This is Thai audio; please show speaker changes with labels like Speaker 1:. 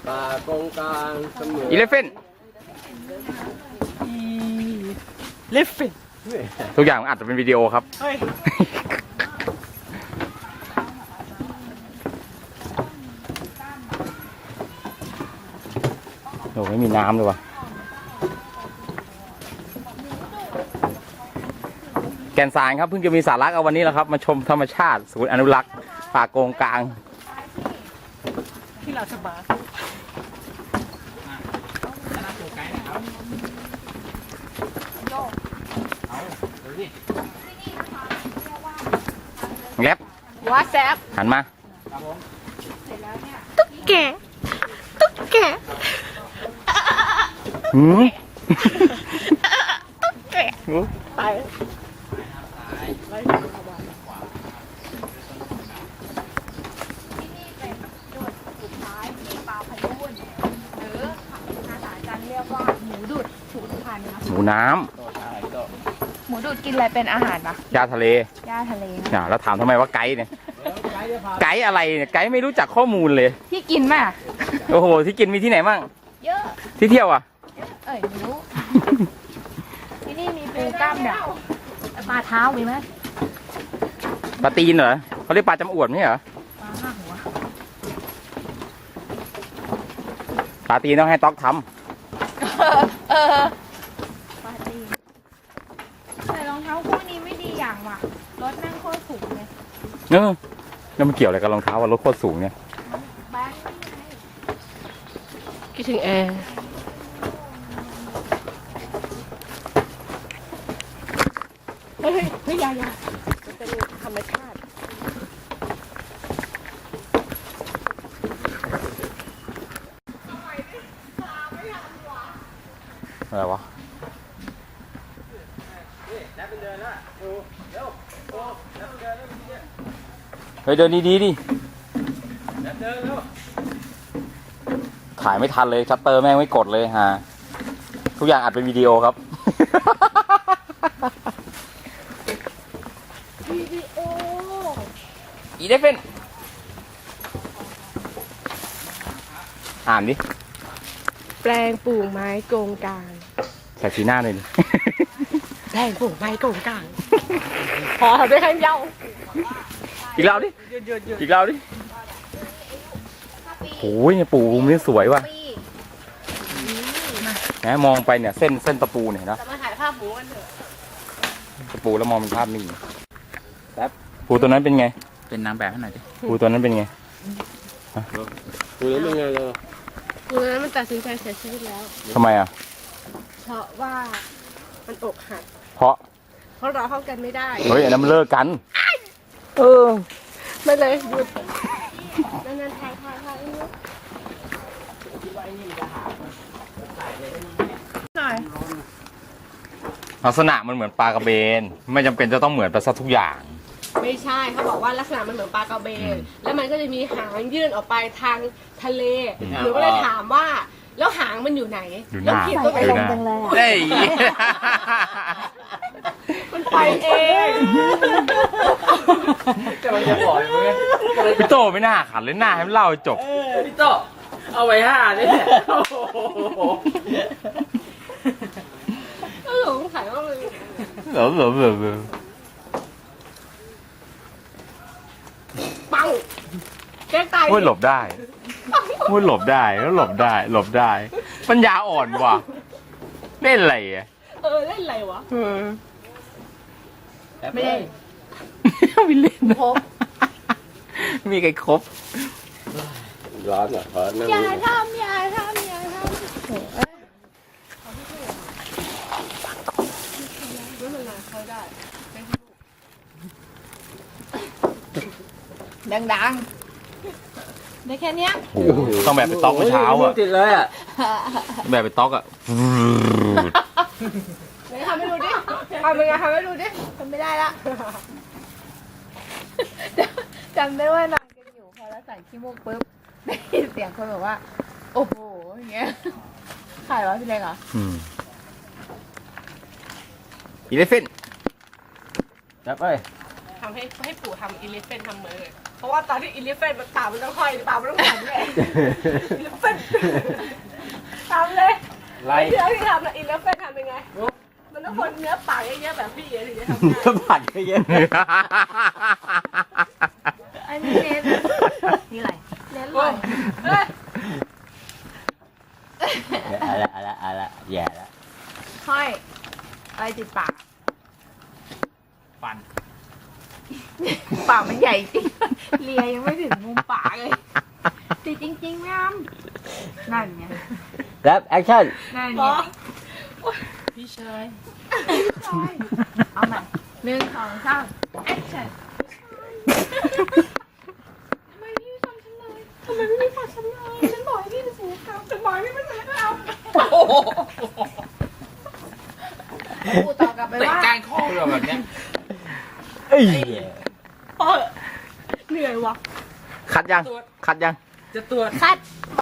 Speaker 1: ป่ากงกลางเสมอ
Speaker 2: อีเลฟเฟน
Speaker 3: เลฟฟิน
Speaker 2: ทุกอย่างอาจจะเป็นวิดีโอครับ
Speaker 3: เฮ้ย
Speaker 2: โอ้ไม่มีน้ำเลยว่ะแก่นสารครับเพิ่งจะมีสาระเอาวันนี้แหละครับ มาชมธรรมชาติศูนย์อนุรักษ์ป่าโกงกลาง
Speaker 3: ที่เราสบาย
Speaker 2: แล็บ
Speaker 3: ว่าแซบ
Speaker 2: หันมา
Speaker 3: ตุ๊กแกตุ๊กแก
Speaker 2: หืม
Speaker 3: ตุ๊กแกไป
Speaker 2: หมูน้
Speaker 4: หมูดูดกินอะไรเป็นอาหารปะ
Speaker 2: ำยาทะเล
Speaker 4: หญ้าทะเลนะ
Speaker 2: อ่ะแล้วถามทำไมว่าไกด์เนี่ย ไกด์อะไรเนี่ย ไกด์ไม่รู้จักข้อมูลเลย
Speaker 4: ที่กินป่ะ
Speaker 2: โอ้โห ที่กินมีที่ไหนบ้าง
Speaker 4: เยอะ
Speaker 2: ที่เที่ยวอ่ะ
Speaker 4: เอ้ยไม่รู้ ที่นี่มีปูกล้ามเนี่ยปลาเท้ามีไหม
Speaker 2: ปลาตีนเหรอเขาเรียกปลาจำอวดไม่ใช่เหรอ
Speaker 4: ปลาห้าหัว
Speaker 2: ปลาตีนต้องให้ต๊อกท
Speaker 4: เออปลาตีนแต่รองเท้าคู่นี้ไม่ดีอย่างว่ะรถนั่งโคตรสูงเลย
Speaker 2: ำแล้วมันเกี่ยวอะไรกับรองเท้าว่ารถโคตรสูงเนี่ย
Speaker 4: แบ๊ก
Speaker 3: คิดถึงแอร์เฮ้ยเฮ้ยอย่ามันเป็นธรรมชาติ
Speaker 2: อะไรวะ เฮ้ยเดินดีๆดิถ่ายไม่ทันเลยชัตเตอร์แม่งไม่กดเลยฮะทุกอย่างอัดเป็นวิดีโอครับ
Speaker 4: วิดีโอ
Speaker 2: อีเดฟเฟนอ่านดิ
Speaker 3: แปลงปลูกไม้โกงกลาง
Speaker 2: ใส่สีหน้าหน่อยดิ
Speaker 3: แปลงปลูกไม้โกงกลางพอได้แค่เย้า
Speaker 2: อีกแล้วดิ อีกแล้วดิโอ้ยเนี่ยปูมุมนี้สวยว่ะนะมองไปเนี่ยเส้นตะปูเนี่ยเห็นะ
Speaker 3: จะมาถ่ายภาพหมูกันเถอะ
Speaker 2: ตะปูแล้วมองเป็นภาพนิ่งแป๊บปูตัวนั้นเป็นไง
Speaker 5: เป็นนางแบบให้หน่อยดิ
Speaker 2: ปูตัวนั้นเป็นไง
Speaker 1: ดูแล้วเป็นไงเลย
Speaker 3: กูนั้นมันตัดสินใจเสียชีวิตแล้ว
Speaker 2: ทำไมอ่ะ
Speaker 3: เพราะว่ามันอกหัก
Speaker 2: เพราะ
Speaker 3: เพราะเราเข้ากันไม่ได้
Speaker 2: เฮ้ยอันนั้นมันเลิกกัน เออ
Speaker 3: ไม่เลยหยุดนั่นถ่ายหน่อย
Speaker 2: ลักษณะมันเหมือนปลากระเบน ไม่จำเป็นจะต้องเหมือนไปซะทุกอย่าง
Speaker 3: ไม่ใช่เขาบอกว่าลักษณะมันเหมือนปลากระเบน แล้วมันก็จะมีหางยื่นออกไปทางทะเลหนูก็เลยถามว่า แล้วหางมันอยู่ไหน
Speaker 2: อยู่ห
Speaker 3: แล้ว
Speaker 2: น้า
Speaker 3: ขีดตัวไป
Speaker 2: อยู่
Speaker 3: ลง
Speaker 2: หน้า
Speaker 4: จังเลยอ่ะ
Speaker 2: เฮ้ย
Speaker 3: มันไปเอง
Speaker 1: จะมันจะบอกอย่างเงี้ย
Speaker 2: พี่โตไม่น่าขันเลยหน้าให้มันเล่าให้จบ
Speaker 1: พี่โตเอาไว้5เนี่ยโอ้โห
Speaker 3: เออผมถ่ายว่ามัน
Speaker 2: เหรอ
Speaker 3: ปังแกล้งตาย
Speaker 2: โอ้ยหลบได้โอ้ยหลบได้แล้วหลบได้ ปัญญาอ่อนว่ะเล่นอะไรอ่ะ
Speaker 3: เล่นอะไรวะ
Speaker 1: ไม่ได้
Speaker 2: ไม่เล่นนะ
Speaker 3: ครบ
Speaker 2: มีใครครบ
Speaker 1: ร้อนเหรอขอนั่ง
Speaker 4: อย่า
Speaker 1: ดู
Speaker 4: ทำอย่าทำอย่าทำ
Speaker 3: ไม่เป็นไรเขาได้
Speaker 4: ดังๆได้แค่เนี้ย
Speaker 2: โอ้โหต้องแบบไปต๊อกเมื่อเช้าอ่ะ
Speaker 1: ติดเลยอ่ะ
Speaker 2: แบบไปต๊อกอ่ะ
Speaker 3: ไหนทำให้ดูดิทำเป็นไงทำให้ดูดิ
Speaker 4: ทำไม่ได้ละจำได้ว่านอนกันอยู่พอเราใส่ขี้มูกปุ๊บได้ยินเสียงคนบอกว่า โอ้โหอย่างเงี้ยใครวะพี่เล็กเหรอ
Speaker 2: อีเลฟเฟนจับไป
Speaker 3: ทำให้ปู่ทำอีเลฟเฟนทำมือเลยเพราะว่าตอนที่อิเลฟเฟนมันปากมันต้องห้อยปากมันต้องหันเลยอิเลฟเฟนทำเลย
Speaker 1: ไล่
Speaker 3: เดี๋ยวที่ทำนะอิเลฟเฟนทำยังไงมันต้องคนเนื้อปากเยอะๆแบบพี่ถึงจะทำได้
Speaker 5: ก็ผัดเยอะ
Speaker 4: อันนี้เน้นนี่อะไร
Speaker 3: เน้นเลยเฮ้ย
Speaker 5: ๆเอาละแย่แล้ว
Speaker 4: ห้อยอะไรติดปาก
Speaker 2: ฟัน
Speaker 4: ปากมันใหญ่จริงเลียยังไม่ถึงมุมปากเลยติดจริงๆแม่อ้ำนั่นไง
Speaker 5: แล้วแอคชั่น
Speaker 4: นั่น
Speaker 3: หม
Speaker 4: ไง
Speaker 3: อ
Speaker 1: พี่ชาย
Speaker 4: เอาใหม่1 2 3 action
Speaker 3: ทำไมพี่ไม่ฟังฉันเลยทำไมพี่ไม่ฟังฉันเลยฉันบอกให้พี่เป็นศิลปกรรมฉันบอกให้พี่เป็นศิลปกรรม
Speaker 4: กูตอบกลับไป
Speaker 1: เตะ
Speaker 4: ว่า
Speaker 1: ก้านคอเลยแบบเนี้ย
Speaker 5: เอ้ย
Speaker 3: เหนื่อยวะ
Speaker 2: คัดยัง คัดยัง
Speaker 1: จะตรวจ
Speaker 4: คัด